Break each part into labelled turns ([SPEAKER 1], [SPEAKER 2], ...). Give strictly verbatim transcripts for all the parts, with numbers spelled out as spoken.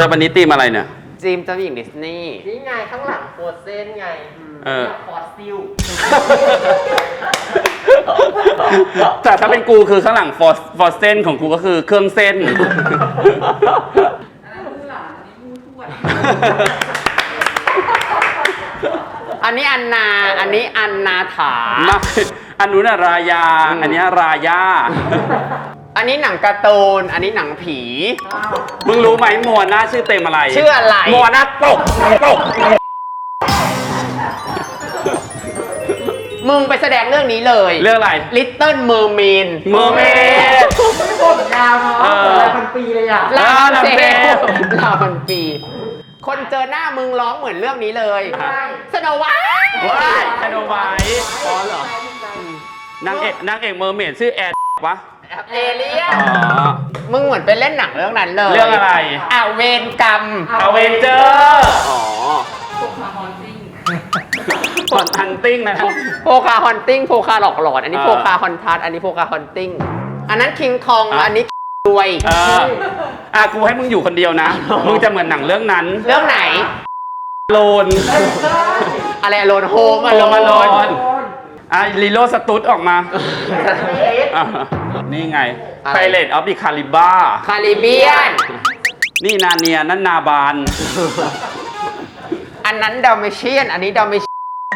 [SPEAKER 1] แต่วันนี้ตีมอะไรเนี่ย
[SPEAKER 2] จีมเจ้าหญิงดิสนีย์
[SPEAKER 3] นี่ไงข้างหลังโฟเซนไง
[SPEAKER 1] เออ
[SPEAKER 3] ฟอสซิล
[SPEAKER 1] แต่ถ้าเป็นกูคือข้างหลังฟอสฟอสเซนของกูก็คือเครื่องเส้น
[SPEAKER 2] อันนี้อันนาอันนี้อันนาถา
[SPEAKER 1] ไม่อันนู้นอะรายาอันนี้รายา
[SPEAKER 2] อันนี้หนังการ์ตูนอันนี้หนังผี
[SPEAKER 1] มึงรู้ไหมมัวหน้าชื่อเต็มอะไร
[SPEAKER 2] ชื่ออะไร
[SPEAKER 1] มัวหน้าตกตก
[SPEAKER 2] มึงไปแสดงเรื่องนี้เลย
[SPEAKER 1] เรื่องอะไร
[SPEAKER 2] Little Mermaid
[SPEAKER 1] Mermaid
[SPEAKER 3] ผมยาวเนาะหลายพันปีเลยอ่ะ
[SPEAKER 2] ลาพันปีลาพันปีคนเจอหน้ามึงร้องเหมือนเรื่องนี้เลยสโนไวท์
[SPEAKER 1] ว้ายสโนไวท์อ๋อเหรอ นางเอกนางเอกเมอร์เมดชื่อแอดวะ
[SPEAKER 2] เอเลียนมึงเหมือนไปเล่นหนังเรื่องนั้นเลย
[SPEAKER 1] เรื่องอะไร
[SPEAKER 2] อ่าเวนกรรม
[SPEAKER 1] อเวนเจอร์อ๋อโพคาฮอนติ้งฮอนฮันติ้งนะครับ
[SPEAKER 2] โพคาฮอนติ้งโพคาหลอกหลอนอันนี้โพคาฮอนทัสอันนี้โพคาฮอนติ้งอันนั้นคิงคองอันนี้รวย
[SPEAKER 1] เอออ่ะกูให้มึงอยู่คนเดียวนะมึงจะเหมือนหนังเรื่องนั้น
[SPEAKER 2] เรื่องไหน
[SPEAKER 1] โลน
[SPEAKER 2] อะไรโลนโฮมอะ
[SPEAKER 1] โลนโลนอ่ะลีโลสตูดออกมานี่ไง Pirates of the Caribbean
[SPEAKER 2] คาริเบียน
[SPEAKER 1] นี่นาเนียนั่นนาบาน
[SPEAKER 2] อันนั้นดอมเมเชียนอันนี้ดอมเมเชียน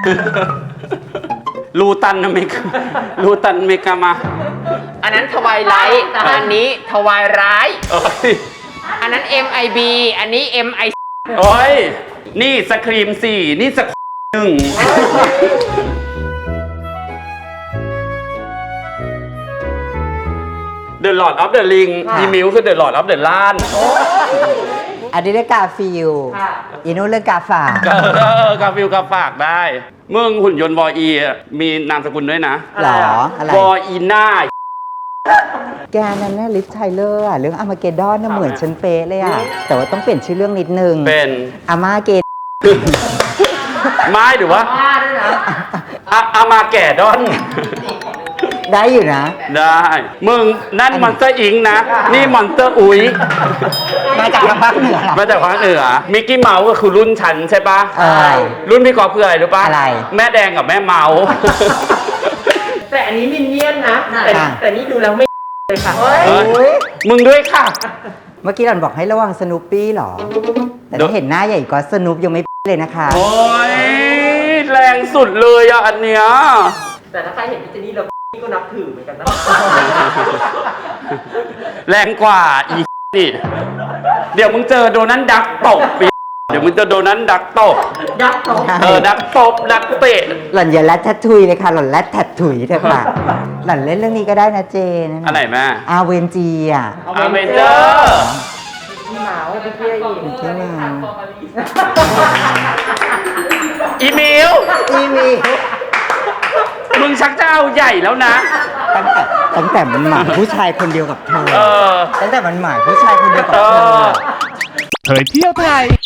[SPEAKER 1] ลูตันอเมริกาลูตันอเมริกามา
[SPEAKER 2] อันนั้นทวายไลท์อันนี้ทวายร้ายอันนั้น เอ็ม ไอ บี อันนี้ เอ็ม ไอ
[SPEAKER 1] โอ้ยนี่สครีมสี่นี่สครีมหนึ่งThe Lord of the Ring อีมิวคือ The Lord of the Land
[SPEAKER 4] อันนี้เรื่องกาฟิลอีนู้นเรื่องกาฝาก
[SPEAKER 1] เออกาฟิลกาฝากได้มึงหุ่นยนต์วออีมีนามสกุลด้วยนะ
[SPEAKER 4] หรออะไร
[SPEAKER 1] วออีน่า
[SPEAKER 4] แกนั่นน่ะลิฟไทเลอร์อะเรื่องอามาเกดอนน่ะเหมือนฉันเป๊ะเลยอะแต่ว่าต้องเปลี่ยนชื่อเรื่องนิดนึง
[SPEAKER 1] เป็น
[SPEAKER 4] อามาเกด
[SPEAKER 1] ไม่หรือว่าอามาแก่ดอน
[SPEAKER 4] ได้อยู่นะ
[SPEAKER 1] ได้มึงนั่นมอนสเตอร์อิงนะนี่มอนสเตอร์อุ๋ย
[SPEAKER 4] มาจากภาคเหนือ
[SPEAKER 1] มาจากภาคเหนือมิกกี้เมาส์ก็คือรุ่นฉันใช่ปะรุ่นพี่กอล์ฟคืออะไรรู้ปะ
[SPEAKER 4] อะไร
[SPEAKER 1] แม่แดงกับแม่เมาส์
[SPEAKER 3] แต่อันนี้มินเนี่ยนนะแต่แต่นี่ดูแล้วไม่เลยค่ะ
[SPEAKER 1] มึงด้วยค่ะ
[SPEAKER 4] เมื่อกี้หล่อนบอกให้ระวังสนุปปี้หรอแต่ถ้าเห็นหน้าใหญ่ก็สนุปยังไม่เลยนะคะ
[SPEAKER 1] โอ้ยแรงสุดเลยอ่ะอันเนี้ย
[SPEAKER 3] แต่ถ้าใครเห็นพี่เจนี่เราก็นับถือเหมือนกันนะ
[SPEAKER 1] แรงกว่าอีนี่เดี๋ยวมึงเจอโดนันดักตบปีเดี๋ยวมึงเจอโดนันดักตบ
[SPEAKER 3] ดักตบ
[SPEAKER 1] เออดักตบดักเตะ
[SPEAKER 4] หล่อนอย่าแรดแทททุยเลยค่ะหล่อนแรดแททถุยเถอะค่ะหล่อนเล่นเรื่องนี้ก็ได้นะเจน
[SPEAKER 1] อะไรแม่
[SPEAKER 4] อาเวนจีอ่ะ
[SPEAKER 1] อาเวนเจอร์
[SPEAKER 3] พี่หมาพี่เพี้ยอีก
[SPEAKER 4] พี่หมา
[SPEAKER 1] อีเมล
[SPEAKER 4] อีเมล
[SPEAKER 1] มึงชักจะเอาใหญ่แล้วนะ
[SPEAKER 4] ตั้งแต่ตั้งแต่มันหมายผู้ชายคนเดียวกับเธอตั้งแต่มันหมายผู้ชายคนเดียวกับเธอ
[SPEAKER 5] เผยเที่ยวไทย